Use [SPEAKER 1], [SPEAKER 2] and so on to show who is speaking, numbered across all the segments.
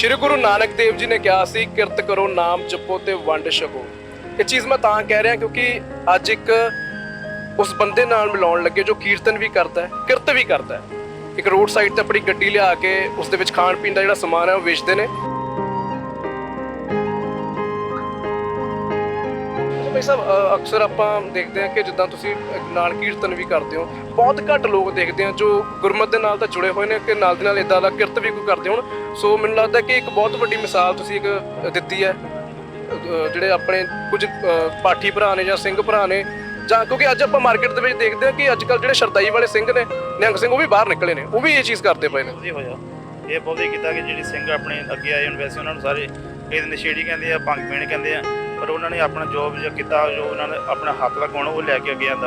[SPEAKER 1] ਸ਼੍ਰੀ ਗੁਰੂ ਨਾਨਕ ਦੇਵ ਜੀ ਨੇ ਕਿਹਾ ਸੀ ਕਿਰਤ ਕਰੋ, ਨਾਮ ਜਪੋ ਤੇ ਵੰਡ ਛਕੋ। ਇਹ ਚੀਜ਼ ਮੈਂ ਤਾਂ ਕਹਿ ਰਿਹਾ ਕਿਉਂਕਿ ਅੱਜ ਇੱਕ ਉਸ ਬੰਦੇ ਨਾਲ ਮਿਲਾਉਣ ਲੱਗੇ ਜੋ ਕੀਰਤਨ ਵੀ ਕਰਦਾ ਹੈ, ਕਿਰਤ ਵੀ ਕਰਦਾ ਹੈ। ਇੱਕ ਰੋਡ ਸਾਈਡ ਤੇ ਆਪਣੀ ਗੱਡੀ ਲਿਆ ਕੇ ਉਸ ਦੇ ਵਿੱਚ ਖਾਣ ਪੀਣ ਦਾ ਜਿਹੜਾ ਸਮਾਨ ਹੈ ਉਹ ਵੇਚਦੇ ਨੇ। ਭਾਈ ਸਾਹਿਬ, ਅਕਸਰ ਆਪਾਂ ਦੇਖਦੇ ਹਾਂ ਕਿ ਜਿੱਦਾਂ ਤੁਸੀਂ ਨਾਲ ਕੀਰਤਨ ਵੀ ਕਰਦੇ ਹੋ, ਬਹੁਤ ਘੱਟ ਲੋਕ ਦੇਖਦੇ ਆ ਜੋ ਗੁਰਮਤਿ ਦੇ ਨਾਲ ਤਾਂ ਜੁੜੇ ਹੋਏ ਨੇ ਕਿ ਨਾਲ ਦੀ ਨਾਲ ਇਦਾਂ ਦਾ ਕਿਰਤ ਵੀ ਕੋਈ ਕਰਦੇ ਹੋਣ। ਸੋ ਮੈਨੂੰ ਲੱਗਦਾ ਕਿ ਇੱਕ ਬਹੁਤ ਵੱਡੀ ਮਿਸਾਲ ਤੁਸੀਂ ਇੱਕ ਦਿੱਤੀ ਹੈ। ਜਿਹੜੇ ਆਪਣੇ ਕੁਝ ਪਾਠੀ ਭਰਾ ਨੇ ਜਾਂ ਸਿੰਘ ਭਰਾ ਨੇ, ਜਾਂ ਕਿਉਂਕਿ ਅੱਜ ਆਪਾਂ ਮਾਰਕੀਟ ਦੇ ਵਿੱਚ ਦੇਖਦੇ ਹਾਂ ਕਿ ਅੱਜ ਕੱਲ੍ਹ ਜਿਹੜੇ ਸ਼ਰਦਾਈ ਵਾਲੇ ਸਿੰਘ ਨੇ, ਨਿਹੰਗ ਸਿੰਘ, ਉਹ ਵੀ ਬਾਹਰ ਨਿਕਲੇ ਨੇ, ਉਹ ਵੀ ਇਹ ਚੀਜ਼ ਕਰਦੇ ਪਏ ਨੇ।
[SPEAKER 2] ਹੋਇਆ ਇਹ ਬਹੁਤ ਹੀ ਕੀਤਾ ਕਿ ਜਿਹੜੇ ਸਿੰਘ ਆਪਣੇ ਅੱਗੇ ਆਏ ਹਨ, ਵੈਸੇ ਉਹਨਾਂ ਨੂੰ ਸਾਰੇ ਕਈ ਨਸ਼ੇੜੀ ਕਹਿੰਦੇ ਆ, ਭੰਗ ਪੀਣ ਕਹਿੰਦੇ ਆ, ਪਰ ਉਹਨਾਂ ਨੇ ਆਪਣਾ ਜੋਬ ਜੋ ਕੀਤਾ, ਜੋ ਉਹਨਾਂ ਨੇ ਆਪਣਾ ਹੱਥ ਲਗਾਉਣਾ ਉਹ ਲੈ ਕੇ ਅੱਗੇ ਆਂਦਾ।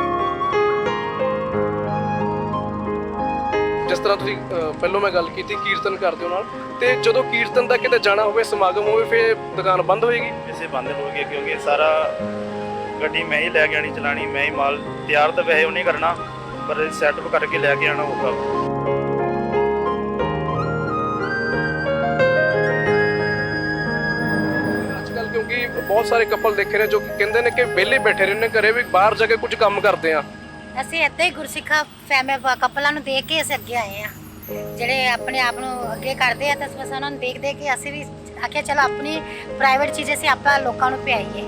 [SPEAKER 1] ਜਿਸ ਤਰ੍ਹਾਂ ਤੁਸੀਂ ਪਹਿਲਾਂ ਮੈਂ ਗੱਲ ਕੀਤੀ ਕੀਰਤਨ ਕਰਦੇ ਹੋ ਨਾਲ, ਤੇ ਜਦੋਂ ਕੀਰਤਨ ਦਾ ਕਿਤੇ ਜਾਣਾ ਹੋਵੇ, ਸਮਾਗਮ ਹੋਵੇ, ਫਿਰ ਦੁਕਾਨ ਬੰਦ ਹੋਏਗੀ?
[SPEAKER 2] ਇਸੇ ਬੰਦ ਹੋ ਗਏ ਕਿਉਂਕਿ ਸਾਰਾ ਗੱਡੀ ਮੈਂ ਹੀ ਲੈ ਕੇ ਆਣੀ, ਚਲਾਣੀ ਮੈਂ ਹੀ, ਮਾਲ ਤਿਆਰ ਤਾਂ ਵੈਸੇ ਉਹਨੇ ਕਰਨਾ, ਪਰ ਸੈਟਅਪ ਕਰਕੇ ਲੈ ਕੇ ਆਣਾ ਔਖਾ।
[SPEAKER 1] ਕਿਉਂਕਿ ਬਹੁਤ ਸਾਰੇ ਕਪਲ ਦੇਖੇ ਨੇ ਜੋ ਕਹਿੰਦੇ ਨੇ ਕਿ ਵਿਹਲੇ ਬੈਠੇ ਰਹਿੰਦੇ ਘਰੇ, ਵੀ ਬਾਹਰ ਜਾ ਕੇ ਕੁਝ ਕੰਮ ਕਰਦੇ ਆ।
[SPEAKER 3] ਅਸੀਂ ਇੱਦਾਂ ਹੀ ਗੁਰਸਿੱਖਾ ਫੈਮਿਲੀ ਕਪਲਾਂ ਨੂੰ ਦੇਖ ਕੇ ਅਸੀਂ ਅੱਗੇ ਆਏ ਆ, ਜਿਹੜੇ ਆਪਣੇ ਆਪ ਨੂੰ ਅੱਗੇ ਕਰਦੇ ਆ, ਤਾਂ ਬਸ ਉਹਨਾਂ ਨੂੰ ਦੇਖ ਦੇਖ ਕੇ ਅਸੀਂ ਵੀ ਆਖਿਆ ਚਲੋ ਆਪਣੀ ਪ੍ਰਾਈਵੇਟ ਚੀਜ਼ ਅਸੀਂ ਆਪਾਂ ਲੋਕਾਂ ਨੂੰ ਪਿਆਈਏ।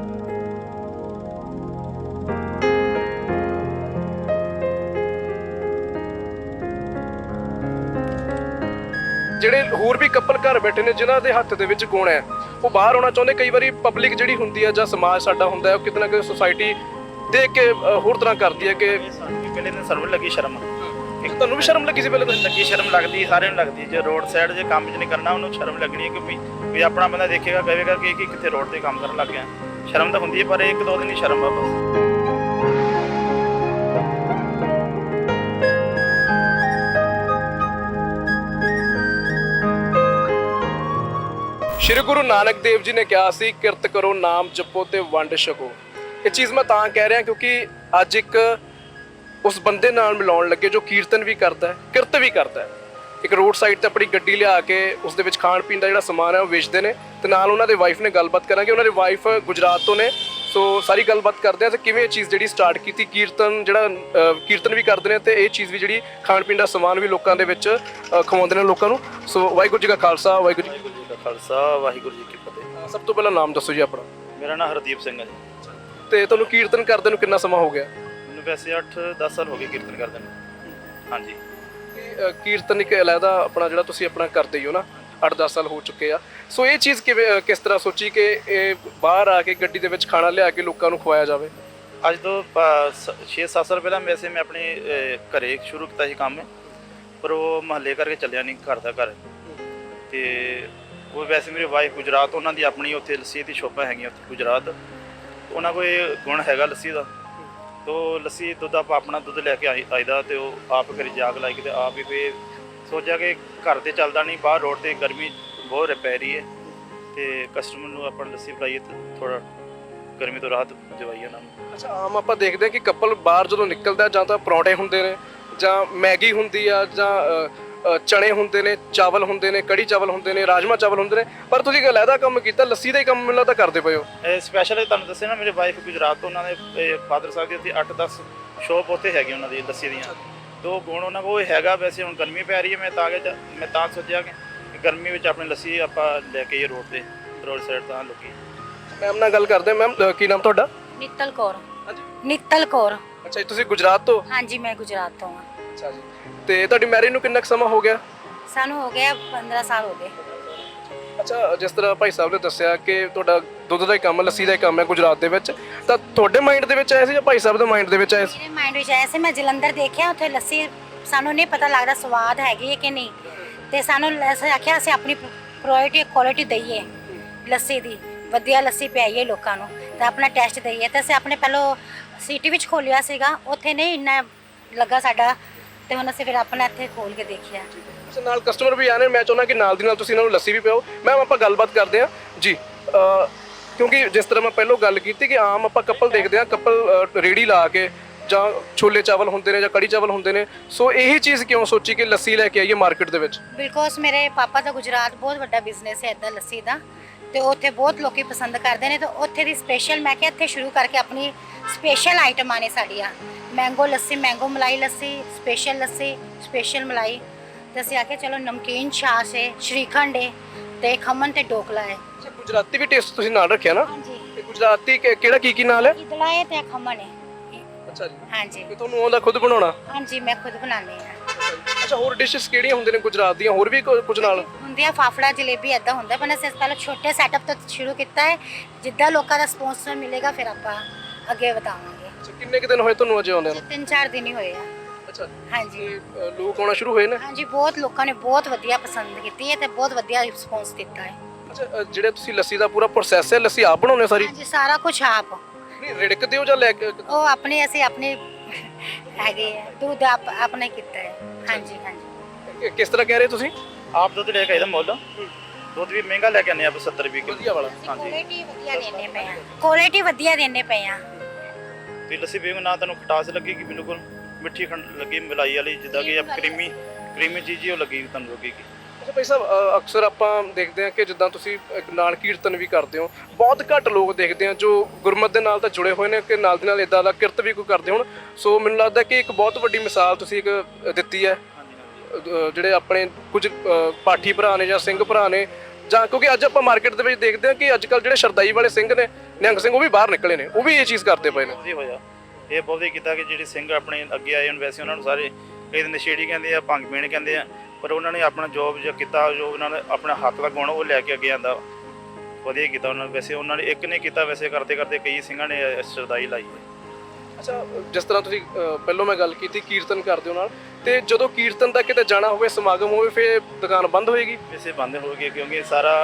[SPEAKER 1] ਜਿਹੜੇ ਹੋਰ ਵੀ ਕਪਲ ਘਰ ਬੈਠੇ ਨੇ ਜਿਨ੍ਹਾਂ ਦੇ ਹੱਥ ਦੇ ਵਿੱਚ ਗੁਣ ਹੈ, ਉਹ ਬਾਹਰ ਆਉਣਾ ਚਾਹੁੰਦੇ। ਕਈ ਵਾਰੀ ਪਬਲਿਕ ਜਿਹੜੀ ਹੁੰਦੀ ਹੈ ਜਾਂ ਸਮਾਜ ਸਾਡਾ ਹੁੰਦਾ ਹੈ, ਉਹ ਕਿਤੇ ਨਾ ਕਿਤੇ ਸੁਸਾਇਟੀ ਦੇਖ ਕੇ ਹੋਰ ਤਰ੍ਹਾਂ ਕਰਦੀ ਹੈ ਕਿ
[SPEAKER 2] ਪਹਿਲੇ ਦਿਨ ਸਰਵ ਲੱਗੀ ਸ਼ਰਮ।
[SPEAKER 1] ਤੁਹਾਨੂੰ ਵੀ ਸ਼ਰਮ ਲੱਗੀ ਸੀ ਪਹਿਲੇ ਤਾਂ?
[SPEAKER 2] ਲੱਗੀ ਸ਼ਰਮ ਲੱਗਦੀ, ਸਾਰਿਆਂ ਨੂੰ ਲੱਗਦੀ। ਜੇ ਰੋਡ ਸਾਈਡ ਜੇ ਕੰਮ ਚ ਨਹੀਂ ਕਰਨਾ, ਉਹਨੂੰ ਸ਼ਰਮ ਲੱਗਣੀ ਹੈ ਕਿ ਵੀ ਆਪਣਾ ਬੰਦਾ ਦੇਖੇਗਾ, ਕਹੇਗਾ ਕਿ ਕਿੱਥੇ ਰੋਡ ਤੇ ਕੰਮ ਕਰਨ ਲੱਗ ਗਿਆ। ਸ਼ਰਮ ਤਾਂ ਹੁੰਦੀ ਹੈ, ਪਰ ਇੱਕ ਦੋ ਦਿਨ ਹੀ ਸ਼ਰਮ ਆ ਬਸ।
[SPEAKER 1] ਸ਼੍ਰੀ ਗੁਰੂ ਨਾਨਕ ਦੇਵ ਜੀ ਨੇ ਕਿਹਾ ਸੀ ਕਿਰਤ ਕਰੋ, ਨਾਮ ਜਪੋ ਤੇ ਵੰਡ ਛਕੋ। ਇਹ ਚੀਜ਼ ਮੈਂ ਤਾਂ ਕਹਿ ਰਿਹਾ ਕਿਉਂਕਿ ਅੱਜ ਇੱਕ ਉਸ ਬੰਦੇ ਨਾਲ ਮਿਲਾਉਣ ਲੱਗੇ ਜੋ ਕੀਰਤਨ ਵੀ ਕਰਦਾ ਹੈ, ਕਿਰਤ ਵੀ ਕਰਦਾ ਹੈ। ਇੱਕ ਰੋਡ ਸਾਈਡ ਤੇ ਆਪਣੀ ਗੱਡੀ ਲਿਆ ਕੇ ਉਸ ਦੇ ਵਿੱਚ ਖਾਣ ਪੀਣ ਦਾ ਜਿਹੜਾ ਸਮਾਨ ਹੈ ਉਹ ਵੇਚਦੇ ਨੇ, ਤੇ ਨਾਲ ਉਹਨਾਂ ਦੇ ਵਾਈਫ ਨੇ ਗੱਲਬਾਤ ਕਰਾਂਗੇ। ਉਹਨਾਂ ਦੀ ਵਾਈਫ ਗੁਜਰਾਤ ਤੋਂ ਨੇ, ਸੋ ਸਾਰੀ ਗੱਲਬਾਤ ਕਰਦੇ ਆ ਤੇ ਕਿਵੇਂ ਇਹ ਚੀਜ਼ ਜਿਹੜੀ ਸਟਾਰਟ ਕੀਤੀ, ਕੀਰਤਨ ਜਿਹੜਾ ਕੀਰਤਨ ਵੀ ਕਰਦੇ ਨੇ ਤੇ ਇਹ ਚੀਜ਼ ਵੀ ਜਿਹੜੀ ਖਾਣ ਪੀਣ ਦਾ ਸਮਾਨ ਵੀ ਲੋਕਾਂ ਦੇ ਵਿੱਚ ਖਵਾਉਂਦੇ ਨੇ ਲੋਕਾਂ ਨੂੰ। ਸੋ ਵਾਹਿਗੁਰੂ ਜੀ ਕਾ ਖਾਲਸਾ, ਵਾਹਿਗੁਰੂ ਜੀ
[SPEAKER 2] ਦਾ ਖਾਲਸਾ, ਵਾਹਿਗੁਰੂ ਜੀ ਕੀ ਫਤਿਹ।
[SPEAKER 1] ਸਭ ਤੋਂ ਪਹਿਲਾਂ ਨਾਮ ਦੱਸੋ ਜੀ ਆਪਣਾ।
[SPEAKER 2] ਮੇਰਾ ਨਾਮ ਹਰਦੀਪ ਸਿੰਘ ਹੈ ਜੀ।
[SPEAKER 1] ਤੇ ਤੁਹਾਨੂੰ ਕੀਰਤਨ ਕਰਦੇ ਨੂੰ ਕਿੰਨਾ ਸਮਾਂ ਹੋ ਗਿਆ?
[SPEAKER 2] ਮੈਨੂੰ ਵੈਸੇ 8-10 ਸਾਲ ਹੋ ਗਏ ਕੀਰਤਨ ਕਰਦੇ ਨੂੰ। ਹਾਂਜੀ।
[SPEAKER 1] ਕੀਰਤਨ ਇੱਕ ਅਲੱਗਾ ਆਪਣਾ ਜਿਹੜਾ ਤੁਸੀਂ ਆਪਣਾ ਕਰਦੇ ਹੀ ਹੋ ਨਾ, 8-10 ਸਾਲ ਹੋ ਚੁੱਕੇ ਆ। ਸੋ ਇਹ ਚੀਜ਼ ਕਿਵੇਂ ਕਿਸ ਤਰ੍ਹਾਂ ਸੋਚੀ ਕਿ ਇਹ ਬਾਹਰ ਆ ਕੇ ਗੱਡੀ ਦੇ ਵਿੱਚ ਖਾਣਾ ਲਿਆ ਕੇ ਲੋਕਾਂ ਨੂੰ ਖਵਾਇਆ ਜਾਵੇ?
[SPEAKER 2] ਅੱਜ ਤੋਂ 6-7 ਸਾਲ ਪਹਿਲਾਂ ਵੈਸੇ ਮੈਂ ਆਪਣੇ ਘਰੇ ਸ਼ੁਰੂ ਕੀਤਾ ਸੀ ਕੰਮ, ਪਰ ਉਹ ਮਹੱਲੇ ਕਰਕੇ ਚੱਲਿਆ ਨਹੀਂ ਘਰ ਦਾ ਘਰ। ਤੇ ਉਹ ਵੈਸੇ ਮੇਰੀ ਵਾਈਫ ਗੁਜਰਾਤ, ਉਹਨਾਂ ਦੀ ਆਪਣੀ ਉੱਥੇ ਲੱਸੀ ਦੀ ਸ਼ੋਪਾਂ ਹੈਗੀਆਂ ਉੱਥੇ ਗੁਜਰਾਤ। ਉਹਨਾਂ ਕੋਲ ਇਹ ਗੁਣ ਹੈਗਾ ਲੱਸੀ ਦਾ, ਤੋ ਲੱਸੀ ਦੁੱਧ ਆਪਾਂ ਆਪਣਾ ਦੁੱਧ ਲੈ ਕੇ ਆਈਦਾ, ਤੇ ਉਹ ਆਪ ਘਰੇ ਜਾਗ ਲਾਈ ਤੇ ਆਪ ਹੀ ਫੇਰ ਸੋਚਿਆ ਕਿ ਘਰ ਤੇ ਚੱਲਦਾ ਨਹੀਂ, ਬਾਹਰ ਰੋਡ ਤੇ ਗਰਮੀ ਬਹੁਤ ਪੈ ਰਹੀ ਹੈ, ਤੇ ਕਸਟਮਰ ਨੂੰ ਆਪਾਂ ਲੱਸੀ ਪਿਲਾਈਏ ਤੇ ਥੋੜਾ ਗਰਮੀ ਤੋਂ ਰਾਹਤ ਦਿਵਾਈਏ ਉਹਨਾਂ ਨੂੰ।
[SPEAKER 1] ਅੱਛਾ, ਆਮ ਆਪਾਂ ਦੇਖਦੇ ਹਾਂ ਕਿ ਕਪਲ ਬਾਹਰ ਜਦੋਂ ਨਿਕਲਦਾ ਜਾਂ ਤਾਂ ਪਰੌਂਠੇ ਹੁੰਦੇ ਨੇ, ਜਾਂ ਮੈਗੀ ਹੁੰਦੀ ਆ, ਜਾਂ ਚਣੇ ਹੁੰਦੇ ਨੇ, ਚਾਵਲ ਹੁੰਦੇ ਨੇ, ਕੜੀ ਚਾਵਲ ਹੁੰਦੇ ਨੇ, ਰਾਜਮਾ ਚਾਵਲ ਹੁੰਦੇ ਨੇ, ਪਰ ਤੁਸੀਂ ਇੱਕ ਅਲੱਗਾ ਕੰਮ ਕੀਤਾ, ਲੱਸੀ ਦਾ ਹੀ ਕੰਮ ਮੈਨੂੰ ਲੱਗਦਾ ਕਰਦੇ ਪਏ ਹੋ।
[SPEAKER 2] ਇਹ ਸਪੈਸ਼ਲ ਤੁਹਾਨੂੰ ਦੱਸਿਆ ਨਾ, ਮੇਰੇ ਵਾਈਫ ਗੁਜਰਾਤ ਤੋਂ, ਉਹਨਾਂ ਦੇ ਫਾਦਰ ਸਾਹਿਬ ਦੀ ਉੱਥੇ 8-10 ਸ਼ੋਪ ਉੱਥੇ ਹੈਗੀ ਉਹਨਾਂ ਦੀ ਲੱਸੀ ਦੀਆਂ। ਦੋ ਗੁਣ ਉਹਨਾਂ ਕੋਲ ਹੈਗਾ। ਵੈਸੇ ਹੁਣ ਗਰਮੀ ਪੈ ਰਹੀ ਹੈ, ਮੈਂ ਤਾਂ ਸੋਚਿਆ ਕਿ ਗਰਮੀ ਵਿੱਚ ਆਪਣੀ ਲੱਸੀ ਆਪਾਂ ਲੈ ਕੇ ਆਈਏ ਰੋਡ ਤੇ, ਰੋਡ ਸਾਈਡ ਤਾਂ ਲੋਕੀ।
[SPEAKER 1] ਮੈਮ ਨਾਲ ਗੱਲ ਕਰਦੇ। ਮੈਮ ਕੀ ਨਾਮ ਤੁਹਾਡਾ?
[SPEAKER 3] ਨਿੱਤਲ ਕੌਰ। ਨਿੱਤਲ ਕੌਰ।
[SPEAKER 1] ਅੱਛਾ ਜੀ, ਤੁਸੀਂ ਗੁਜਰਾਤ ਤੋਂ?
[SPEAKER 3] ਹਾਂਜੀ, ਮੈਂ ਗੁਜਰਾਤ ਤੋਂ ਹਾਂ।
[SPEAKER 1] ਅੱਛਾ ਜੀ, ਤੇ ਤੁਹਾਡੀ ਮੈਰਿਜ ਨੂੰ ਕਿੰਨਾ ਕੁ ਸਮਾਂ ਹੋ ਗਿਆ?
[SPEAKER 3] ਸਾਨੂੰ ਹੋ ਗਿਆ 15 ਸਾਲ ਹੋ ਗਏ।
[SPEAKER 1] ਅੱਛਾ, ਜਿਸ ਤਰ੍ਹਾਂ ਭਾਈ ਸਾਹਿਬ ਨੇ ਦੱਸਿਆ ਕਿ ਤੁਹਾਡਾ ਦੁੱਧ ਦਾ ਹੀ ਕੰਮ, ਲੱਸੀ ਦਾ ਹੀ ਕੰਮ ਹੈ ਗੁਜਰਾਤ ਦੇ ਵਿੱਚ, ਤਾਂ ਤੁਹਾਡੇ ਮਾਈਂਡ ਦੇ ਵਿੱਚ ਆਇਆ ਸੀ ਜਾਂ ਭਾਈ ਸਾਹਿਬ ਦੇ ਮਾਈਂਡ ਦੇ ਵਿੱਚ ਆਇਆ ਸੀ?
[SPEAKER 3] ਮੇਰੇ ਮਾਈਂਡ ਵਿੱਚ ਆਇਆ ਸੀ, ਮੈਂ ਜਲੰਧਰ ਦੇਖਿਆ ਉੱਥੇ ਲੱਸੀ, ਸਾਨੂੰ ਨਹੀਂ ਪਤਾ ਲੱਗਦਾ ਸਵਾਦ ਹੈਗੀ ਹੈ ਕਿ ਨਹੀਂ, ਤੇ ਸਾਨੂੰ ਅਸੀਂ ਆਖਿਆ ਅਸੀਂ ਆਪਣੀ ਕੁਆਲਿਟੀ ਦਈਏ ਲੱਸੀ ਦੀ, ਵਧੀਆ ਲੱਸੀ ਪਿਆਈਏ ਲੋਕਾਂ ਨੂੰ, ਤਾਂ ਆਪਣਾ ਟੈਸਟ ਦਈਏ। ਤਾਂ ਅਸੀਂ ਆਪਣੇ ਪਹਿਲੋਂ ਸਿਟੀ ਵਿੱਚ ਖੋਲਿਆ ਸੀਗਾ, ਉੱਥੇ ਨਹੀਂ ਇੰਨਾ ਲੱਗਾ ਸਾਡਾ, ਤੇ ਹੁਣ ਅਸੀਂ ਫਿਰ ਆਪਣਾ ਇੱਥੇ ਖੋਲ ਕੇ ਦੇਖਿਆ।
[SPEAKER 1] ਨਾਲ ਕਸਟਮਰ ਵੀ ਆਣੇ, ਮੈਂ ਚਾਹੁੰਦਾ ਕਿ ਨਾਲ ਦੀ ਨਾਲ ਤੁਸੀਂ ਇਹਨਾਂ ਨੂੰ ਲੱਸੀ ਵੀ ਪਿਆਓ। ਮੈਮ ਆਪਾਂ ਗੱਲਬਾਤ ਕਰਦੇ ਹਾਂ ਜੀ, ਕਿਉਂਕਿ ਜਿਸ ਤਰ੍ਹਾਂ ਮੈਂ ਪਹਿਲਾਂ ਗੱਲ ਕੀਤੀ ਕਿ ਆਮ ਆਪਾਂ ਕਪਲ ਦੇਖਦੇ ਹਾਂ, ਕਪਲ ਰੇੜੀ ਲਾ ਕੇ ਜਾਂ ਛੋਲੇ ਚਾਵਲ ਹੁੰਦੇ ਨੇ ਜਾਂ ਕੜੀ ਚਾਵਲ ਹੁੰਦੇ ਨੇ, ਸੋ ਇਹੀ ਚੀਜ਼ ਕਿਉਂ ਸੋਚੀ ਕਿ ਲੱਸੀ ਲੈ ਕੇ ਆਈਏ ਮਾਰਕੀਟ ਦੇ ਵਿੱਚ?
[SPEAKER 3] ਬਿਕੋਜ਼ ਮੇਰੇ ਪਾਪਾ ਦਾ ਗੁਜਰਾਤ ਬਹੁਤ ਵੱਡਾ ਬਿਜ਼ਨਸ ਹੈ ਇੱਦਾਂ ਲੱਸੀ ਦਾ, ਤੇ ਉੱਥੇ ਬਹੁਤ ਲੋਕੀ ਪਸੰਦ ਕਰਦੇ ਨੇ, ਤੇ ਉੱਥੇ ਦੀ ਸਪੈਸ਼ਲ ਮੈਂ ਕਿਹਾ ਇੱਥੇ ਸ਼ੁਰੂ ਕਰਕੇ ਆਪਣੀ ਸਪੈਸ਼ਲ ਆਈਟਮਾਂ ਨੇ ਸਾਡੀਆਂ, ਮੈਂਗੋ ਲੱਸੀ, ਮੈਂਗੋ ਮਲਾਈ ਲੱਸੀ, ਸਪੈਸ਼ਲ ਲੱਸੀ, ਸਪੈਸ਼ਲ ਮਲਾਈ, ਤੇ ਅਸੀਂ ਆਖਿਆ ਚਲੋ ਨਮਕੀਨ ਛਾਛ ਹੈ, ਸ਼੍ਰੀਖੰਡ ਹੈ, ਤੇ ਖਮਨ ਤੇ ਢੋਕਲਾ ਹੈ।
[SPEAKER 1] ਅੱਛਾ, ਗੁਜਰਾਤੀ ਵੀ ਟੇਸਟ ਤੁਸੀਂ ਨਾਲ ਰੱਖਿਆ ਨਾ?
[SPEAKER 3] ਹਾਂਜੀ,
[SPEAKER 1] ਤੇ ਗੁਜਰਾਤੀ ਕਿਹੜਾ ਕੀ ਨਾਲ ਹੈ?
[SPEAKER 3] ਇਦਲਾ ਹੈ ਤੇ ਖਮਨ ਹੈ।
[SPEAKER 1] ਅੱਛਾ ਜੀ,
[SPEAKER 3] ਹਾਂਜੀ
[SPEAKER 1] ਤੇ ਤੁਹਾਨੂੰ ਆਉਂਦਾ ਖੁਦ ਬਣਾਉਣਾ?
[SPEAKER 3] ਹਾਂਜੀ, ਮੈਂ ਖੁਦ ਬਣਾਉਂਦੀ ਹਾਂ।
[SPEAKER 1] ਅੱਛਾ, ਹੋਰ ਡਿਸ਼ਸ ਕਿਹੜੀਆਂ ਹੁੰਦੇ ਨੇ ਗੁਜਰਾਤ ਦੀਆਂ, ਹੋਰ ਵੀ ਕੁਝ ਨਾਲ?
[SPEAKER 3] ਹੁੰਦੀ ਆ ਫਾਫੜਾ ਜਲੇਬੀ, ਐਦਾਂ ਹੁੰਦਾ, ਪਰ ਅਸੀਂ ਪਹਿਲਾਂ ਛੋਟੇ ਸੈਟਅਪ ਤੋਂ ਸ਼ੁਰੂ ਕੀਤਾ ਹੈ, ਜਿੱਦਾਂ ਲੋਕਾਂ ਦਾ ਸਪੌਂਸਰ ਮਿਲੇਗਾ ਫਿਰ ਆਪਾਂ ਅੱਗੇ ਵਧਾਵਾਂਗੇ।
[SPEAKER 1] ਅੱਛਾ, ਕਿੰਨੇ ਕੁ ਦਿਨ ਹੋਏ ਤੁਹਾਨੂੰ ਅਜੇ ਆਉਂਦੇ ਨੂੰ?
[SPEAKER 3] 3-4 ਦਿਨ ਹੀ ਹੋਏ ਆ।
[SPEAKER 1] ਅੱਛਾ,
[SPEAKER 3] ਹਾਂਜੀ
[SPEAKER 1] ਤੇ ਲੋਕ ਆਉਣਾ ਸ਼ੁਰੂ ਹੋਏ ਨੇ?
[SPEAKER 3] ਹਾਂਜੀ, ਬਹੁਤ ਲੋਕਾਂ ਨੇ ਬਹੁਤ ਵਧੀਆ ਪਸੰਦ ਕੀਤੀ ਹੈ ਤੇ ਬਹੁਤ ਵਧੀਆ ਰਿਸਪੌਂਸ ਦਿੱਤਾ ਹੈ।
[SPEAKER 1] ਅੱਛਾ, ਜਿਹੜੇ ਤੁਸੀਂ ਲੱਸੀ ਦਾ ਪੂਰਾ ਪ੍ਰੋਸੈਸ ਹੈ, ਲੱਸੀ ਆਪ ਬਣਾਉਂਦੇ ਹੋ ਸਾਰੀ?
[SPEAKER 3] ਹਾਂਜੀ, ਸਾਰਾ ਕੁਝ ਆਪ।
[SPEAKER 1] ਨਹੀਂ, ਰਿੜਕਦੇ ਹੋ ਜਾਂ ਲੈ ਕੇ?
[SPEAKER 3] ਉਹ ਅਸੀਂ ਆਪਣੇ ਹੈਗੇ ਆ, ਦੁੱਧ ਆਪਣੇ ਕੀਤਾ ਹੈ। ਹਾਂਜੀ ਹਾਂਜੀ।
[SPEAKER 1] ਕਿਸ ਤਰ੍ਹਾਂ ਕਹਿ ਰਹੇ ਤੁਸੀਂ?
[SPEAKER 2] ਆਪ ਦੁੱਧ ਲੈ ਕੇ ਆਈਦਾ ਮੁੱਲ, ਦੁੱਧ ਵੀ ਮਹਿੰਗਾ ਲੈ ਕੇ ਆਨੇ ਆਪ 70 ਰੁਪਏ ਕਿਲੋ
[SPEAKER 1] ਵਧੀਆ ਵਾਲਾ?
[SPEAKER 2] ਹਾਂਜੀ,
[SPEAKER 3] ਕੁਆਲਿਟੀ ਵਧੀਆ ਦੇਣੇ ਪਏ ਆ, ਕੁਆਲਿਟੀ ਵਧੀਆ ਦੇਣੇ ਪਏ ਆ।
[SPEAKER 2] ਤੇ ਲੱਸੀ ਪੀਓਗੇ ਨਾ ਤੁਹਾਨੂੰ ਖਟਾਸ ਲੱਗੇਗੀ, ਬਿਲਕੁਲ ਮਿੱਠੀ ਖੰਡ ਲੱਗੀ ਮਲਾਈ ਵਾਲੀ, ਜਿੱਦਾਂ ਕਿ ਕਰੀਮੀ ਚੀਜ਼ ਹੀ ਉਹ ਲੱਗੀ ਤੁਹਾਨੂੰ ਲੱਗੇਗੀ।
[SPEAKER 1] ਅੱਛਾ ਭਾਈ ਸਾਹਿਬ, ਅਕਸਰ ਆਪਾਂ ਦੇਖਦੇ ਹਾਂ ਕਿ ਜਿੱਦਾਂ ਤੁਸੀਂ ਇੱਕ ਨਾਲ ਕੀਰਤਨ ਵੀ ਕਰਦੇ ਹੋ, ਬਹੁਤ ਘੱਟ ਲੋਕ ਦੇਖਦੇ ਆ ਜੋ ਗੁਰਮਤਿ ਦੇ ਨਾਲ ਤਾਂ ਜੁੜੇ ਹੋਏ ਨੇ ਕਿ ਨਾਲ ਦੀ ਨਾਲ ਇਦਾਂ ਦਾ ਕਿਰਤ ਵੀ ਕੋਈ ਕਰਦੇ ਹੋਣ। ਸੋ ਮੈਨੂੰ ਲੱਗਦਾ ਕਿ ਇੱਕ ਬਹੁਤ ਵੱਡੀ ਮਿਸਾਲ ਤੁਸੀਂ ਇੱਕ ਦਿੱਤੀ ਹੈ। ਜਿਹੜੇ ਆਪਣੇ ਕੁਝ ਪਾਠੀ ਭਰਾ ਨੇ ਜਾਂ ਸਿੰਘ ਭਰਾ ਨੇ, ਜਾਂ ਕਿਉਂਕਿ ਅੱਜ ਆਪਾਂ ਮਾਰਕੀਟ ਦੇ ਵਿੱਚ ਦੇਖਦੇ ਹਾਂ ਕਿ ਅੱਜ ਕੱਲ੍ਹ ਜਿਹੜੇ ਸ਼ਰਦਾਈ ਵਾਲੇ ਸਿੰਘ ਨੇ, ਨਿਹੰਗ ਸਿੰਘ, ਉਹ ਵੀ ਬਾਹਰ ਨਿਕਲੇ ਨੇ, ਉਹ ਵੀ ਇਹ ਚੀਜ਼ ਕਰਦੇ ਪਏ ਨੇ।
[SPEAKER 2] ਵਧੀਆ ਹੋਇਆ, ਇਹ ਬਹੁਤ ਹੀ ਕੀਤਾ ਕਿ ਜਿਹੜੇ ਸਿੰਘ ਆਪਣੇ ਅੱਗੇ ਆਏ ਹਨ। ਵੈਸੇ ਉਹਨਾਂ ਨੂੰ ਸਾਰੇ ਕਈ ਨਸ਼ੇੜੀ ਕਹਿੰਦੇ ਆ, ਭੰਗ ਪੀਣ ਕਹਿੰਦੇ ਆ, ਪਰ ਉਹਨਾਂ ਨੇ ਆਪਣਾ ਜੋਬ ਜੋ ਕੀਤਾ, ਜੋ ਉਹਨਾਂ ਨੇ ਆਪਣਾ ਹੱਕ ਦਾ ਗੁਣ ਉਹ ਲੈ ਕੇ ਅੱਗੇ ਆਂਦਾ, ਵਧੀਆ ਕੀਤਾ ਉਹਨਾਂ ਨੇ। ਵੈਸੇ ਉਹਨਾਂ ਨੇ ਇੱਕ ਨੇ ਕੀਤਾ, ਵੈਸੇ ਕਰਦੇ ਕਰਦੇ ਕਈ ਸਿੰਘਾਂ ਨੇ ਸ਼ਰਦਾਈ ਲਾਈ ਹੈ।
[SPEAKER 1] ਅੱਛਾ, ਜਿਸ ਤਰ੍ਹਾਂ ਤੁਸੀਂ ਪਹਿਲਾਂ ਮੈਂ ਗੱਲ ਕੀਤੀ ਕੀਰਤਨ ਕਰਦੇ ਹੋ ਨਾਲ, ਤੇ ਜਦੋਂ ਕੀਰਤਨ ਦਾ ਕਿਤੇ ਜਾਣਾ ਹੋਵੇ, ਸਮਾਗਮ ਹੋਵੇ, ਫਿਰ ਦੁਕਾਨ ਬੰਦ ਹੋਏਗੀ?
[SPEAKER 2] ਵੈਸੇ ਬੰਦ ਹੋ ਗਏ, ਕਿਉਂਕਿ ਸਾਰਾ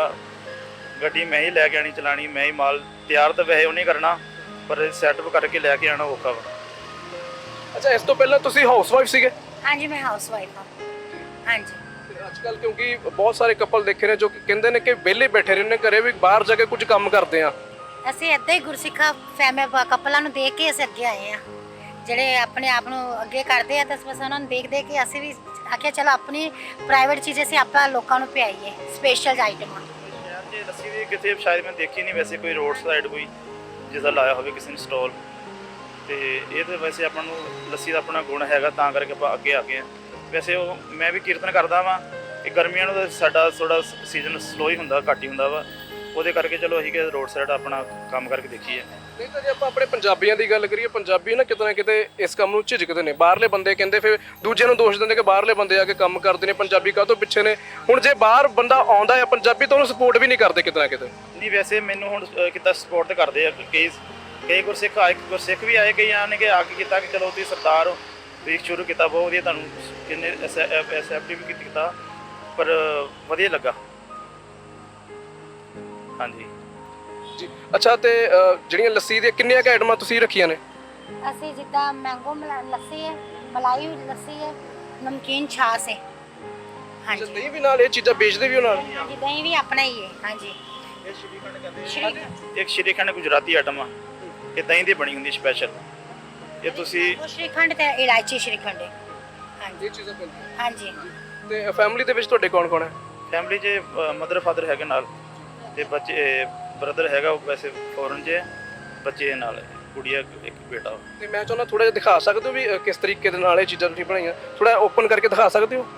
[SPEAKER 2] ਗੱਡੀ ਮੈਂ ਹੀ ਲੈ ਕੇ ਆਣੀ, ਚਲਾਣੀ ਮੈਂ ਹੀ, ਮਾਲ ਤਿਆਰ ਤਾਂ ਵੈਸੇ ਉਹਨੇ ਕਰਨਾ, ਪਰ ਸੈਟਅਪ ਕਰਕੇ ਲੈ ਕੇ ਆਣਾ ਔਖਾ ਵਾ।
[SPEAKER 1] ਅੱਛਾ, ਇਸ ਤੋਂ ਪਹਿਲਾਂ ਤੁਸੀਂ ਹਾਊਸਵਾਈਫ ਸੀਗੇ?
[SPEAKER 3] ਹਾਂਜੀ, ਮੈਂ ਹਾਊਸ ਵਾਈਫ ਹਾਂ। ਹਾਂਜੀ,
[SPEAKER 1] ਅੱਜ ਕੱਲ ਕਿਉਂਕਿ ਬਹੁਤ ਸਾਰੇ ਕਪਲ ਦੇਖੇ ਨੇ ਜੋ ਕਹਿੰਦੇ ਨੇ ਕਿ ਵਿਹਲੇ ਬੈਠੇ ਰਹਿੰਦੇ ਘਰੇ, ਵੀ ਬਾਹਰ ਜਾ ਕੇ ਕੁਝ ਕੰਮ ਕਰਦੇ ਆ।
[SPEAKER 3] ਅਸੀਂ ਇੱਦਾਂ ਹੀ ਗੁਰਸਿੱਖਾ ਕਪਲਾਂ ਨੂੰ ਦੇਖ ਕੇ ਅਸੀਂ ਅੱਗੇ ਆਏ ਆ, ਜਿਹੜੇ ਆਪਣੇ ਆਪ ਨੂੰ ਅੱਗੇ ਕਰਦੇ ਆ, ਤਾਂ ਬਸ ਉਹਨਾਂ ਨੂੰ ਦੇਖ ਦੇਖ ਕੇ ਅਸੀਂ ਵੀ ਆਖਿਆ ਚਲੋ ਆਪਣੀ ਪ੍ਰਾਈਵੇਟ ਚੀਜ਼ ਅਸੀਂ ਆਪਾਂ ਲੋਕਾਂ ਨੂੰ ਪਿਆਈਏ, ਸਪੈਸ਼ਲ ਆਈਟਮਾਂ।
[SPEAKER 2] ਸ਼ਹਿਰ 'ਚ ਲੱਸੀ ਦੀ ਕਿਤੇ ਸ਼ਾਇਦ ਮੈਂ ਦੇਖੀ ਨਹੀਂ, ਵੈਸੇ ਕੋਈ ਰੋਡ ਸਾਈਡ ਕੋਈ ਜਿਸਦਾ ਲਾਇਆ ਹੋਵੇ ਕਿਸੇ ਨੇ ਸਟਾਲ, ਤੇ ਇਹ ਤਾਂ ਵੈਸੇ ਆਪਾਂ ਨੂੰ ਲੱਸੀ ਦਾ ਆਪਣਾ ਗੁਣ ਹੈਗਾ, ਤਾਂ ਕਰਕੇ ਆਪਾਂ ਅੱਗੇ ਆ ਗਏ ਹਾਂ। ਵੈਸੇ ਉਹ ਮੈਂ ਵੀ ਕੀਰਤਨ ਕਰਦਾ ਵਾਂ, ਇਹ ਗਰਮੀਆਂ ਨੂੰ ਤਾਂ ਸਾਡਾ ਥੋੜਾ ਸੀਜ਼ਨ ਸਲੋ ਹੀ ਹੁੰਦਾ, ਘੱਟ ਹੀ ਹੁੰਦਾ ਵਾ, ਉਹਦੇ ਕਰਕੇ ਚਲੋ ਅਸੀਂ ਕਿ ਰੋਡ ਸਾਈਡ ਆਪਣਾ ਕੰਮ ਕਰਕੇ ਦੇਖੀਏ।
[SPEAKER 1] ਨਹੀਂ ਤਾਂ ਜੇ ਆਪਾਂ ਆਪਣੇ ਪੰਜਾਬੀਆਂ ਦੀ ਗੱਲ ਕਰੀਏ, ਪੰਜਾਬੀ ਨਾ ਕਿਤੇ ਇਸ ਕੰਮ ਨੂੰ ਝਿਜਕਦੇ ਨੇ। ਬਾਹਰਲੇ ਬੰਦੇ ਕਹਿੰਦੇ, ਫਿਰ ਦੂਜਿਆਂ ਨੂੰ ਦੋਸ਼ ਦਿੰਦੇ ਕਿ ਬਾਹਰਲੇ ਬੰਦੇ ਆ ਕੇ ਕੰਮ ਕਰਦੇ ਨੇ, ਪੰਜਾਬੀ ਕਾਹਤੋਂ ਪਿੱਛੇ ਨੇ। ਹੁਣ ਜੇ ਬਾਹਰ ਬੰਦਾ ਆਉਂਦਾ ਹੈ ਪੰਜਾਬੀ, ਤਾਂ ਉਹਨੂੰ ਸਪੋਰਟ ਵੀ ਨਹੀਂ ਕਰਦੇ ਕਿਤੇ ਨਾ ਕਿਤੇ।
[SPEAKER 2] ਨਹੀਂ, ਵੈਸੇ ਮੈਨੂੰ ਹੁਣ ਕਿਤਾ ਸਪੋਰਟ ਤਾਂ ਕਰਦੇ ਆ, ਕਈ ਗੁਰਸਿੱਖ ਆਏ, ਗੁਰਸਿੱਖ ਵੀ ਆਏ, ਕਈ ਆਣ ਕੇ ਆ ਕੇ ਕੀਤਾ ਕਿ ਚਲੋ ਤੁਸੀਂ ਸਰਦਾਰ ਹੋ, ਤੁਸੀਂ ਸ਼ੁਰੂ ਕੀਤਾ, ਬਹੁਤ ਵਧੀਆ, ਤੁਹਾਨੂੰ ਕਿੰਨੇ ਐਸਐਫਟੀ ਵੀ ਕੀਤਾ, ਪਰ ਵਧੀਆ ਲੱਗਾ। ਹਾਂਜੀ
[SPEAKER 1] ਜੀ, ਅੱਛਾ, ਤੇ ਜਿਹੜੀਆਂ ਲੱਸੀ ਦੀਆਂ ਕਿੰਨੀਆਂ ਕੁ ਆਈਟਮਾਂ ਤੁਸੀਂ ਰੱਖੀਆਂ ਨੇ?
[SPEAKER 3] ਅਸੀਂ ਜਿੱਦਾਂ ਮੈਂਗੋ ਲੱਸੀ ਹੈ, ਮਲਾਈ ਲੱਸੀ ਹੈ, ਨਮਕੀਨ ਛਾਛ ਹੈ। ਹਾਂਜੀ,
[SPEAKER 1] ਦਹੀਂ ਵੀ ਨਾਲ, ਇਹ ਚੀਜ਼ਾਂ ਵੇਚਦੇ ਵੀ ਹੋ ਨਾਲ?
[SPEAKER 3] ਹਾਂਜੀ, ਦਹੀਂ ਵੀ ਆਪਣਾ ਹੀ ਹੈ। ਹਾਂਜੀ,
[SPEAKER 2] ਇਹ ਸ਼੍ਰੀਖੰਡ ਕਹਿੰਦੇ
[SPEAKER 3] ਸ਼੍ਰੀਖੰਡ,
[SPEAKER 2] ਇੱਕ ਸ਼੍ਰੀਖੰਡ ਗੁਜਰਾਤੀ ਆਈਟਮ ਆ, ਇਹ ਦਹੀਂ ਦੀ ਬਣੀ ਹੁੰਦੀ ਸਪੈਸ਼ਲ। ਇਹ ਤੁਸੀਂ
[SPEAKER 3] ਉਹ ਸ਼੍ਰੀਖੰਡ ਤੇ ਇਲਾਇਚੀ ਸ਼੍ਰੀਖੰਡ ਹੈ। ਹਾਂਜੀ
[SPEAKER 1] ਇਹ ਚੀਜ਼ਾਂ ਪੈਂਦੀਆਂ।
[SPEAKER 3] ਹਾਂਜੀ।
[SPEAKER 1] ਤੇ ਫੈਮਿਲੀ ਦੇ ਵਿੱਚ ਤੁਹਾਡੇ ਕੌਣ ਕੌਣ ਹੈ?
[SPEAKER 2] ਫੈਮਿਲੀ 'ਚ ਮਦਰ ਫਾਦਰ ਹੈਗੇ ਨਾਲ, ਤੇ ਬੱਚੇ ਬ੍ਰਦਰ ਹੈਗਾ, ਉਹ ਵੈਸੇ ਫੋਰਨ 'ਚ ਹੈ, ਬੱਚੇ ਨਾਲ ਹੈ, ਕੁੜੀਆ ਇੱਕ ਬੇਟਾ।
[SPEAKER 1] ਤੇ ਮੈਂ ਚਾਹੁੰਦਾ ਥੋੜਾ ਜਿਹਾ ਦਿਖਾ ਸਕਦੇ ਹੋ ਵੀ ਕਿਸ ਤਰੀਕੇ ਦੇ ਨਾਲ ਇਹ ਚੀਜ਼ਾਂ ਤੁਸੀਂ ਬਣਾਈਆਂ, ਥੋੜਾ ਓਪਨ ਕਰਕੇ ਦਿਖਾ ਸਕਦੇ ਹੋ?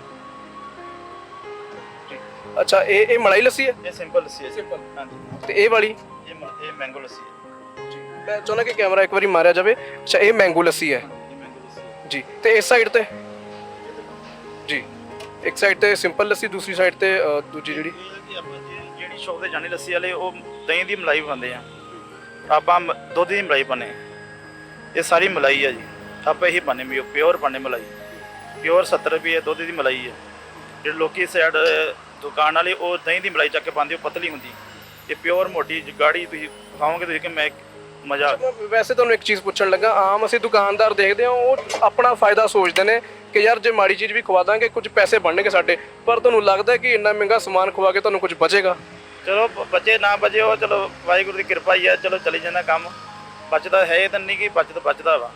[SPEAKER 1] ਅੱਛਾ, ਇਹ ਮਲਾਈ ਲੱਸੀ ਹੈ?
[SPEAKER 2] ਇਹ ਸਿੰਪਲ ਲੱਸੀ ਹੈ।
[SPEAKER 1] ਸਿੰਪਲ।
[SPEAKER 2] ਹਾਂਜੀ।
[SPEAKER 1] ਤੇ ਇਹ ਵਾਲੀ?
[SPEAKER 2] ਇਹ ਮੈਂਗੋ ਲੱਸੀ ਹੈ।
[SPEAKER 1] ਮੈਂ ਚਾਹੁੰਦਾ ਕਿ ਕੈਮਰਾ ਇੱਕ ਵਾਰੀ ਮਾਰਿਆ ਜਾਵੇ। ਅੱਛਾ, ਇਹ ਮੈਂਗੋ ਲੱਸੀ ਹੈ
[SPEAKER 2] ਇਹ ਮੈਂਗੋ ਲੱਸੀ ਹੈ
[SPEAKER 1] ਜੀ। ਤੇ ਇਸ ਸਾਈਡ ਤੇ ਜੀ, ਇੱਕ ਸਾਈਡ ਤੇ ਸਿੰਪਲ ਲੱਸੀ, ਦੂਸਰੀ ਸਾਈਡ ਤੇ ਦੂਜੀ ਜਿਹੜੀ
[SPEAKER 2] ਜਿਹੜੀ ਸ਼ੌਪ ਤੇ ਜਾਣੀ ਲੱਸੀ ਵਾਲੇ, ਉਹ ਦਹੀਂ ਦੀ ਮਲਾਈ ਪਾਉਂਦੇ ਆ, ਆਪਾਂ ਦੁੱਧ ਦੀ ਮਲਾਈ ਪਾਉਂਦੇ ਆ। ਇਹ ਸਾਰੀ ਮਲਾਈ ਆ ਜੀ, ਆਪਾਂ ਇਹੀ ਪਾਉਂਦੇ ਵੀ ਪਿਓਰ ਪਾਉਂਦੇ ਮਲਾਈ, ਪਿਓਰ 70 ਰੁਪਏ ਦੁੱਧ ਦੀ ਮਲਾਈ ਹੈ। ਜਿਹੜੇ ਲੋਕੀ ਸਾਈਡ ਦੁਕਾਨ ਵਾਲੇ ਉਹ ਦਹੀਂ ਦੀ ਮਲਾਈ ਚੱਕ ਕੇ ਪਾਉਂਦੇ, ਉਹ ਪਤਲੀ ਹੁੰਦੀ, ਇਹ ਪਿਓਰ ਮੋਟੀ ਗਾੜੀ ਤੁਸੀਂ ਖਾਓਗੇ ਤੁਸੀਂ ਕਿ ਮੈਂ ਮਜ਼ਾ।
[SPEAKER 1] ਵੈਸੇ ਤੁਹਾਨੂੰ ਇੱਕ ਚੀਜ਼ ਪੁੱਛਣ ਲੱਗਾ, ਆਮ ਅਸੀਂ ਦੁਕਾਨਦਾਰ ਦੇਖਦੇ ਹਾਂ ਉਹ ਆਪਣਾ ਫਾਇਦਾ ਸੋਚਦੇ ਨੇ ਕਿ ਯਾਰ ਜੇ ਮਾੜੀ ਚੀਜ਼ ਵੀ ਖਵਾ ਦਾਂਗੇ ਕੁਝ ਪੈਸੇ ਬਣਨਗੇ ਸਾਡੇ, ਪਰ ਤੁਹਾਨੂੰ ਲੱਗਦਾ ਕਿ ਇੰਨਾ ਮਹਿੰਗਾ ਸਮਾਨ ਖਵਾ ਕੇ ਤੁਹਾਨੂੰ ਕੁਝ ਬਚੇਗਾ?
[SPEAKER 2] ਚਲੋ ਬਚੇ ਨਾ ਬਚੇ, ਉਹ ਚਲੋ ਵਾਹਿਗੁਰੂ ਦੀ ਕਿਰਪਾ ਹੀ ਆ, ਚਲੋ ਚਲੀ ਜਾਂਦਾ ਕੰਮ, ਬਚਦਾ ਹੈ ਤਾਂ ਨਹੀਂ ਕਿ ਬਚਦਾ ਵਾ।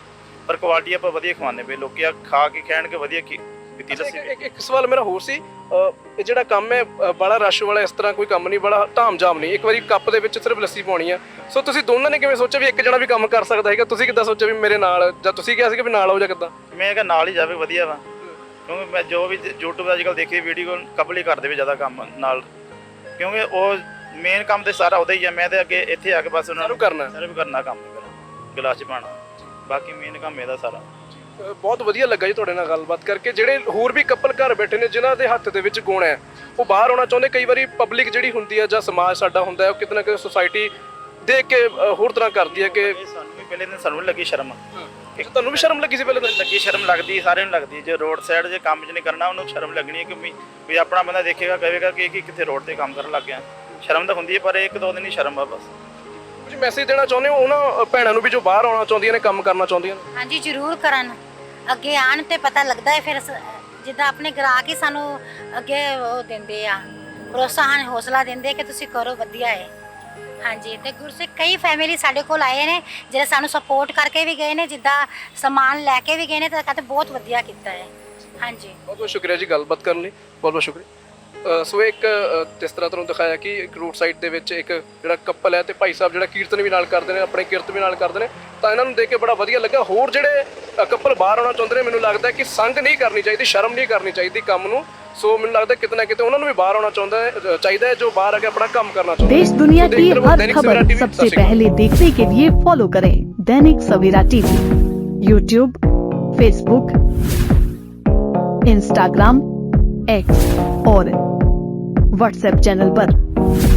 [SPEAKER 2] ਪਰ ਕੁਆਲਿਟੀ ਆਪਾਂ ਵਧੀਆ ਖਵਾਉਂਦੇ ਪਏ, ਲੋਕੀ ਆ ਖਾ ਕੇ ਕਹਿਣਗੇ ਵਧੀਆ ਪੀਤੀ ਲੱਸੀ।
[SPEAKER 1] ਇੱਕ ਸਵਾਲ ਮੇਰਾ ਹੋਰ ਸੀ, ਇਹ ਜਿਹੜਾ ਕੰਮ ਹੈ ਬੜਾ ਰਸ਼ ਵਾਲਾ ਇਸ ਤਰ੍ਹਾਂ ਕੋਈ ਕੰਮ ਨਹੀਂ, ਬੜਾ ਧਾਮ-ਜਾਮ ਨਹੀਂ, ਇੱਕ ਵਾਰੀ ਕੱਪ ਦੇ ਵਿੱਚ ਸਿਰਫ ਲੱਸੀ ਪਾਉਣੀ ਆ। ਸੋ ਤੁਸੀਂ ਦੋਨਾਂ ਨੇ ਕਿਵੇਂ ਸੋਚਿਆ ਵੀ ਇੱਕ ਜਣਾ ਵੀ ਕੰਮ ਕਰ ਸਕਦਾ ਹੈਗਾ? ਤੁਸੀਂ ਕਿੱਦਾਂ ਸੋਚਿਆ ਵੀ ਮੇਰੇ ਨਾਲ, ਜਾਂ ਤੁਸੀਂ ਕਿਹਾ ਸੀ ਵੀ ਨਾਲ ਆਓ ਜਾਂ ਕਿੱਦਾਂ?
[SPEAKER 2] ਮੈਂ ਕਿਹਾ ਨਾਲ ਹੀ ਜਾਵੇ ਵਧੀਆ ਵਾ, ਕਿਉਂਕਿ ਮੈਂ ਜੋ ਵੀ YouTube ਅੱਜ ਕੱਲ੍ਹ ਦੇਖੀ ਵੀਡੀਓ ਕਪਲ ਹੀ ਕਰਦੇ ਵੀ ਜ਼ਿਆਦਾ ਕੰਮ ਨਾਲ, ਕਿਉਂਕਿ ਉਹ ਮੇਨ ਕੰਮ ਤੇ ਸਾਰਾ ਉਹਦਾ ਹੀ ਆ। ਮੈਂ ਤੇ ਅੱਗੇ ਇੱਥੇ ਆ ਕੇ ਬਸ ਉਹਨਾਂ ਨੂੰ ਸਰਵ ਕਰਨਾ ਕੰਮ ਗਲਾਸ 'ਚ ਪਾਉਣਾ, ਬਾਕੀ ਮੇਨ ਕੰਮ ਇਹਦਾ ਸਾਰਾ।
[SPEAKER 1] ਬਹੁਤ ਵਧੀਆ ਲੱਗਾ ਜੀ ਤੁਹਾਡੇ ਨਾਲ ਗੱਲਬਾਤ ਕਰਕੇ। ਜਿਹੜੇ ਹੋਰ ਵੀ ਕਪਲ ਘਰ ਬੈਠੇ ਨੇ ਜਿਨ੍ਹਾਂ ਦੇ ਹੱਥ ਦੇ ਵਿੱਚ ਗੁਣ ਹੈ, ਉਹ ਬਾਹਰ ਆਉਣਾ ਚਾਹੁੰਦੇ, ਕਈ ਵਾਰੀ ਪਬਲਿਕ ਜਿਹੜੀ ਹੁੰਦੀ ਹੈ ਜਾਂ ਸਮਾਜ ਸਾਡਾ ਹੁੰਦਾ ਹੈ, ਉਹ ਕਿਤੇ ਨਾ ਕਿਤੇ ਸੁਸਾਇਟੀ ਦੇਖ ਕੇ ਹੋਰ ਤਰ੍ਹਾਂ ਕਰਦੀ ਹੈ ਕਿ
[SPEAKER 2] ਸਾਨੂੰ ਵੀ ਪਹਿਲੇ ਦਿਨ ਸਾਨੂੰ ਲੱਗੀ ਸ਼ਰਮ।
[SPEAKER 1] ਤੁਹਾਨੂੰ ਵੀ ਸ਼ਰਮ ਲੱਗੀ ਸੀ ਪਹਿਲੇ ਤਾਂ?
[SPEAKER 2] ਲੱਗੀ, ਸ਼ਰਮ ਲੱਗਦੀ, ਸਾਰਿਆਂ ਨੂੰ ਲੱਗਦੀ। ਜੇ ਰੋਡ ਸਾਈਡ ਜੇ ਕੰਮ 'ਚ ਨਹੀਂ ਕਰਨਾ ਉਹਨੂੰ ਸ਼ਰਮ ਲੱਗਣੀ ਹੈ ਕਿ ਵੀ ਆਪਣਾ ਬੰਦਾ ਦੇਖੇਗਾ, ਕਹੇਗਾ ਕਿ ਕਿੱਥੇ ਰੋਡ ਤੇ ਕੰਮ ਕਰਨ ਲੱਗ ਗਿਆ। ਸ਼ਰਮ ਤਾਂ ਹੁੰਦੀ ਹੈ, ਪਰ ਇੱਕ ਦੋ ਦਿਨ ਹੀ ਸ਼ਰਮ ਆ ਬਸ।
[SPEAKER 1] ਕੁਝ ਮੈਸੇਜ ਦੇਣਾ ਚਾਹੁੰਦੇ ਹੋ ਉਹਨਾਂ ਭੈਣਾਂ ਨੂੰ ਵੀ ਜੋ ਬਾਹਰ ਆਉਣਾ ਚਾਹੁੰਦੀਆਂ ਨੇ, ਕੰਮ ਕਰਨਾ ਚਾਹੁੰਦੀਆਂ ਨੇ?
[SPEAKER 3] ਹਾਂਜੀ ਜ਼ਰੂਰ ਕਰਨ, ਅੱਗੇ ਆਣ ਤੇ ਪਤਾ ਲੱਗਦਾ ਹੈ। ਫਿਰ ਜਿੱਦਾਂ ਆਪਣੇ ਗ੍ਰਾਹਕ ਹੀ ਸਾਨੂੰ ਅੱਗੇ ਉਹ ਦਿੰਦੇ ਆ, ਪ੍ਰੋਤਸਾਹਨ, ਹੌਸਲਾ ਦਿੰਦੇ ਕਿ ਤੁਸੀਂ ਕਰੋ, ਵਧੀਆ ਹੈ। ਹਾਂਜੀ, ਤੇ ਗੁਰਸਿੱਖ ਕਈ ਫੈਮਿਲੀ ਸਾਡੇ ਕੋਲ ਆਏ ਨੇ ਜਿਹੜੇ ਸਾਨੂੰ ਸਪੋਰਟ ਕਰਕੇ ਵੀ ਗਏ ਨੇ, ਜਿੱਦਾਂ ਸਮਾਨ ਲੈ ਕੇ ਵੀ ਗਏ ਨੇ, ਤਾਂ ਕਹਿੰਦੇ ਬਹੁਤ ਵਧੀਆ ਕੀਤਾ ਹੈ। ਹਾਂਜੀ,
[SPEAKER 1] ਬਹੁਤ ਬਹੁਤ ਸ਼ੁਕਰੀਆ ਜੀ ਗੱਲਬਾਤ ਕਰਨ ਲਈ, ਬਹੁਤ ਬਹੁਤ ਸ਼ੁਕਰੀਆ। ਸੋ ਇੱਕ ਜਿਸ ਤਰ੍ਹਾਂ ਤੁਹਾਨੂੰ ਦਿਖਾਇਆ ਕਿ ਇੱਕ ਰੋਡ ਸਾਈਡ ਦੇ ਵਿੱਚ ਇੱਕ ਜਿਹੜਾ ਕਪਲ ਹੈ ਤੇ ਭਾਈ ਸਾਹਿਬ ਜਿਹੜਾ ਕੀਰਤਨ ਵੀ ਨਾਲ ਕਰਦੇ ਨੇ, ਆਪਣੇ ਕਿਰਤ ਵੀ ਨਾਲ ਕਰਦੇ ਨੇ, ਤਾਂ ਇਹਨਾਂ ਨੂੰ ਦੇਖ ਕੇ ਬੜਾ ਵਧੀਆ ਲੱਗਾ। ਹੋਰ ਜਿਹੜੇ ਕਪਲ ਬਾਹਰ ਆਉਣਾ ਚਾਹੁੰਦੇ ਨੇ, ਮੈਨੂੰ ਲੱਗਦਾ ਕਿ ਸੰਗ ਨਹੀਂ ਕਰਨੀ ਚਾਹੀਦੀ, ਸ਼ਰਮ ਨਹੀਂ ਕਰਨੀ ਚਾਹੀਦੀ ਕੰਮ ਨੂੰ। ਸੋ ਮੈਨੂੰ ਲੱਗਦਾ ਕਿਤੇ ਨਾ ਕਿਤੇ ਉਹਨਾਂ ਨੂੰ ਵੀ ਬਾਹਰ ਆਉਣਾ ਚਾਹੀਦਾ ਹੈ, ਜੋ ਬਾਹਰ ਆ ਕੇ ਆਪਣਾ ਕੰਮ ਕਰਨਾ ਚਾਹੁੰਦੇ
[SPEAKER 4] देश दुनिया की हर खबर सबसे पहले देखने के लिए फॉलो करें Dainik Savera TV, YouTube, Facebook, Instagram, X और व्हाट्सएप चैनल पर।